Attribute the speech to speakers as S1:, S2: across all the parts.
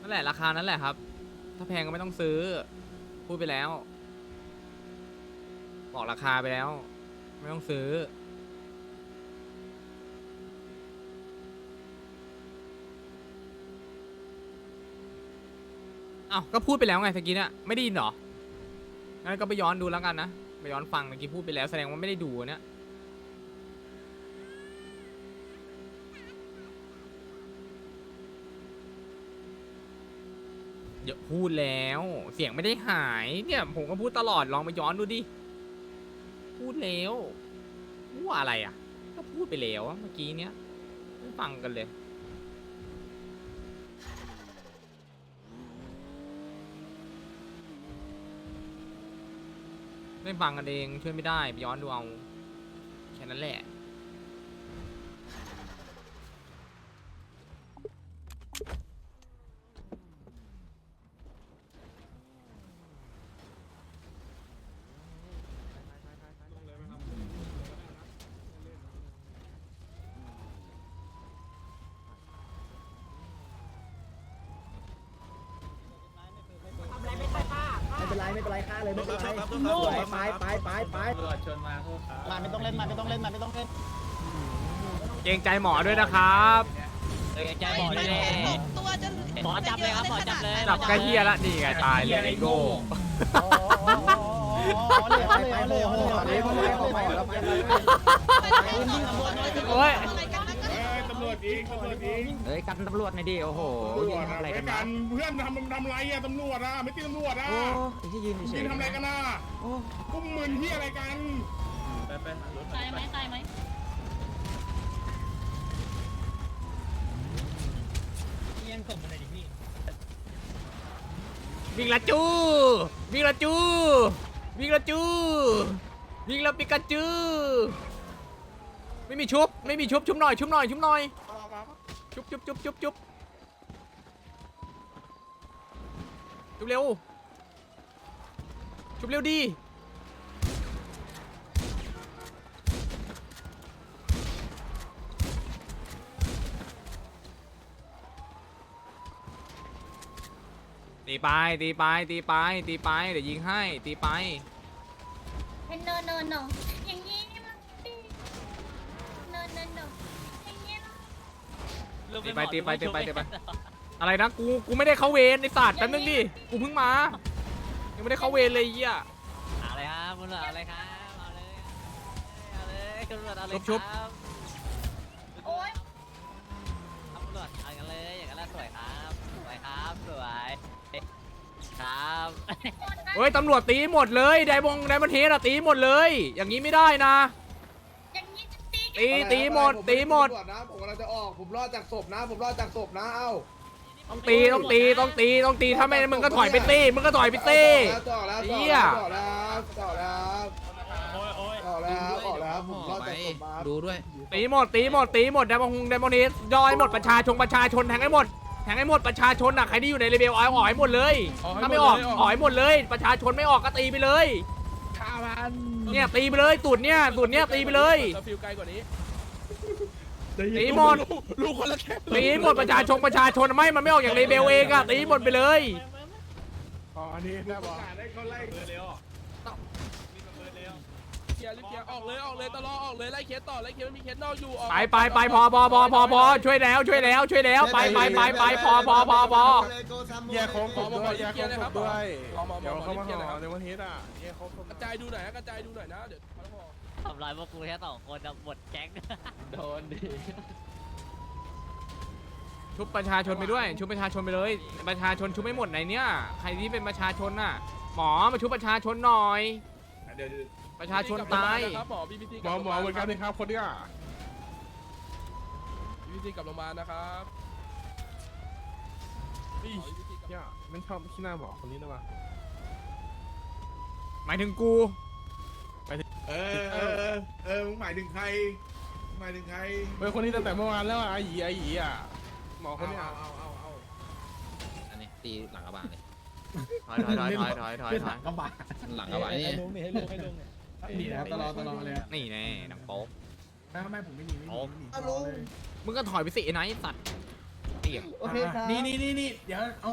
S1: นั่นแหละราคานั้นแหละครับถ้าแพงก็ไม่ต้องซื้อพูดไปแล้วบอกราคาไปแล้วไม่ต้องซื้ออ้าวก็พูดไปแล้วไงตะกี้เนี่ยไม่ได้ยินเหรองั้นก็ไปย้อนดูแล้วกันนะไปย้อนฟังเมื่อกี้พูดไปแล้วแสดงว่าไม่ได้ดูเนี่ยเดี๋ยวพูดแล้วเสียงไม่ได้หายเนี่ยผมก็พูดตลอดลองไปย้อนดูดิพูดแล้วว่าอะไรอ่ะก็พูดไปแล้วเมื่อกี้เนี้ยไม่ฟังกันเลยไม่ฟังกันเองช่วยไม่ได้ไปย้อนดูเอาแค่นั้นแหละ
S2: ไม่เป็นไรไม่เป็นไรฆ่าเลยไม่เป็นไรไปตำรวจชนมาโทษครับมาไม่ต้องเล่นมาไม่ต้องเล่นมาไม่ต้องเล่น
S1: เกรงใจหมอด้วยนะครับ
S3: เกรงใจหมอด้วยตัวจะหมอจับเลยครับหมอจับเลย
S1: จับใกล้เฮียละนี่ไงตายเลยไอ้โง่โอ้ย
S4: ตำรวจยิงตำรวจยิง
S2: เฮ้ยกันตำรวจหน่อยดิโอ้โหยืนทำอะไรกันนะ
S4: เพื่อนทำไรอะตำรวจอะไม่ตีตำรวจอะ
S2: โอ้ยที่ยืนเฉ
S4: ยื
S2: ย
S4: นทำอะไรกันอะกุ้มมึนที่อะไรกัน
S3: ตายไหมตายไหม
S1: วิ่งละจูวิ่งละจูวิ่งละจูวิ่งละปิกาจูไม่มีชุบไม่มีชุบชุบหน่อยชุบหน่อยชุบหน่อยชุบชุบชุบชุบชุบชุบเร็วชุบเร็วดีตีไปตีไปตีไปตีไปเดี๋ยวยิงให้ตีไป
S3: เป็นโนโนโนอย่างนี้มันดีโนโนโนอย่างนี้นะ
S1: ตีไปตีไปตีไปตีไปอะไรนะกูไม่ได้เข้าเวรไอ้สัตว์แป๊บนึงดิกูเพิ่งมายังไม่ได้เข้าเวรเลยเหี้ย
S5: อะไรครับคุณตำรวจอะไรครับเอาเลยเอาเลยคุณตำรวจเอาเลย
S1: ชุบ
S5: ครับ
S3: โอ๊ย
S5: เอาตำรวจเอากันเลยอย่างนั้นแหละสวยครับสวยครับสวยครับ
S1: เฮ้ยตำรวจตีหมดเลยไดมอนเทสอะตีหมดเลย อย่างนี้ไม่ได้นะ
S3: อย่างนี้จะตี
S1: ตีหมดตีหมด
S6: ผมกำลังจะออกผมรอดจากศพนะผมรอดจากศพนะเอ้า
S1: ต้องตีต้องตีต้องตีต้องตีถ้าไม่มึงก็ถอยไปตีมึงก็ถอยไปตี
S6: ต่อแล้ว
S1: เหี้ย
S6: ต่อแล้วต่อแล้วต่อแล้วต่อแล้วผมรอดจากศพมา
S2: ดูด้วย
S1: ตีหมดตีหมดตีหมดไดมอนเทสย่อยหมดประชาชนแทงให้หมดแทงให้หมดประชาชนอะใครที่อยู่ในเลเวลออกให้หมดเลยถ้าไม่ออกออกให้หมดเลยประชาชนไม่ออกก็ตีไปเลยเนี่ยตีไปเลยตุ่นเนี่ยตีไปเลย
S4: ฟิวไกลกว่านี้
S1: ตีหมด
S4: ลูกคนละแค่
S1: ตีหมดประชาชนไม่มันไม่ออกอย่างเลเบลเองอะตีหมดไปเลย
S4: อ๋ออันนี้ได้บอก
S6: ได้เขาไล่
S4: เร็วเคลียร์รีบเคลียร์ออกเลยตลอดออกเลยไล่เคสต่อไล่เคสไม่มีเคสนอกอยู่ออก
S1: ไปพอช่วยแล้วไปพอ
S4: แยกโค้งผมด้วยแยกโค้งผมด้วยเดี๋ยวเขามาห่อในวันนี้อ่ะแยกโค้งกระจายดูหน่อยนะกระจายดูหน่อยนะเดี๋ยวเขาห่อ
S5: ทำลายพวกกูแค่2 คนจะหมดแก๊ง
S2: โดนดิ
S1: ชุบประชาชนไปด้วยชุบประชาชนไปเลยประชาชนชุบไม่หมดไหนเนี่ยใครที่เป็นประชาชนน่ะหมอมาชุบประชาชนหน่อย
S6: เดี๋ยว
S1: ประชาชนตาย
S4: หมอ BBT หมอเหมือนกันนะครับคนเนี้ย BBT กลับโรงพยาบาลนะครับนี่ย่าไม่ชอบขี้หน้าหมอคนนี้นะวะ
S1: หมายถึงกู
S6: มึงหมายถึงใครหมายถึงใคร
S4: เฮ้ยคนนี้ตั้งแต่เมื่อวานแล้วอ่ะไอ้หยีอ่ะหมอคนเนี้ย
S6: เอา
S2: อันนี้ตีหลังกระบะเลย
S1: ถอย
S2: กระบะหลังกระบะนี่
S6: ให้ลงนี่นะตลอดเลย
S1: นี่แน่หนังโป๊ก
S6: ไม่ผมไม่หนีไม่หนี
S1: มึงก็ถอยไปสิไอ้ไนท์สัตว์เอี่ยง
S2: โอเคครับ
S6: นี่เดี๋ยวเอา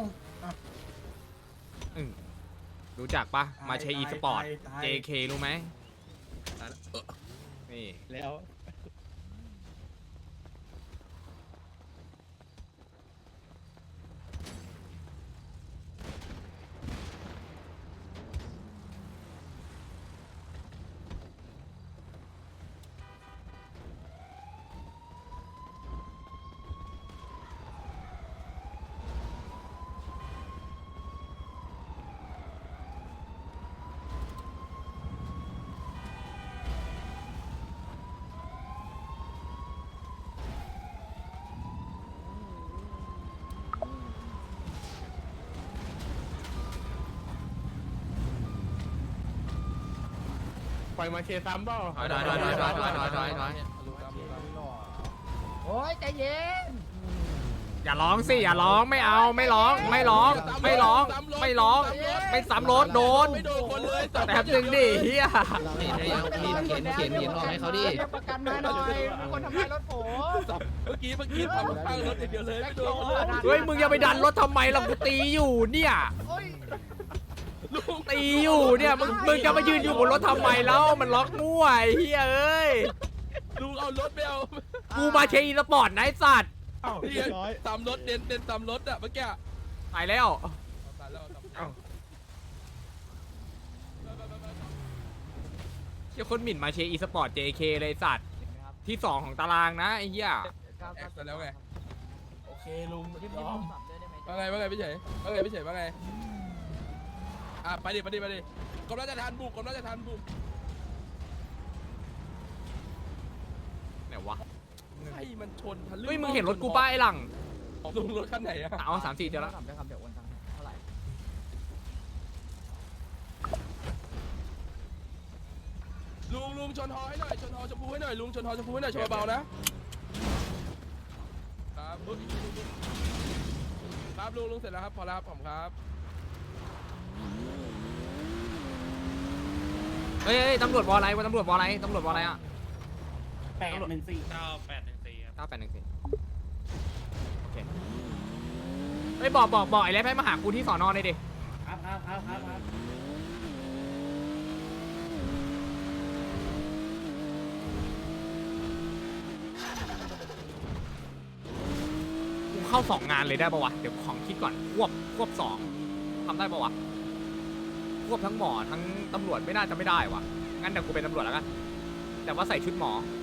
S1: รู้จักปะมาเชอีสปอร์ต
S6: ตาย
S1: JK รู้ไหมนี่
S2: แล้ว
S4: ปล่อยมาเชซ้ำเปล่า
S1: ถอย
S2: โอ้ยใจเย็น
S1: อย่าร้องสิอย่าร้องไม่เอาไม่ร้องไม่ร้องไม่ร้องไม่ร้องไม่ซ้ำรถโดน
S4: ไม่โดนคนเลย
S1: แป๊บนึงดิเฮีย
S2: เขียนออกให้เขาดิประกันมาหน่อยมีคนทำลายรถผม
S4: เมื่อกี้ทำพังรถอย่างเดียวเลยไม่โดน
S1: เฮ้ยมึงอย่าไปดันรถทำไมล่ะกูตีอยู่เนี่ย
S4: ลุง
S1: ตีอยู่เนี่ยมึงจะมายืนอยู่บนรถทำไมแล้วมันล็อกมั่วไอ้เฮียเอ้ย
S4: ลุงเอารถไปเอา
S1: กูมาเชอีสปอร์ตนะไอ้สัตว์
S4: พี่ตามรถเด่นตามรถอะเมื่อกี้
S1: ตายแล้ว
S4: ตายแล้ว
S1: เชี่ยคนหมิ่นมาเชอีสปอร์ต JK เลยสัตว์ที่2ของตารางนะไอ้เหี้ย
S4: แอกแล้วไงโอเคลุงว่าไงพี่เฉยว่าไงอ่ะไปดิกรมราชทัณฑ์บุก
S1: ไหนวะ
S4: ให้มันชนทะลึ่ง
S1: เฮ้ยมึงเห็นรถกูป้าไอ้หลัง
S4: ลุงรถคันไหนอะ
S1: เอา3-4เจอแล้ว
S2: ได้ครับเดี๋ยวโอนตังค์เท่าไหร่
S4: ลุงชนฮอให้หน่อยชนฮอชมพูให้หน่อยลุงชนฮอชมพูให้หน่อยชนเบาๆนะ ครับลุงอีกทีลุงครับลุงเสร็จแล้วครับพอแล้วครับผมครับ
S1: เฮ้ยตำรวจวออะไรวะตำรวจวออะไรอ่ะ
S6: 814
S1: 9814โอเคเฮ้ยบอกไอ้เล็บให้มาหากูที่สอนอเลยดิ
S2: ครับ
S1: กูเข้า2 งานเลยได้ปะวะเดี๋ยวของคิดก่อนควบ2ทำได้ปะวะควบทั้งหมอทั้งตำรวจไม่น่าจะไม่ได้วะงั้นเดี๋ยวกูเป็นตำรวจแล้วกันแต่ว่าใส่ชุดหมอ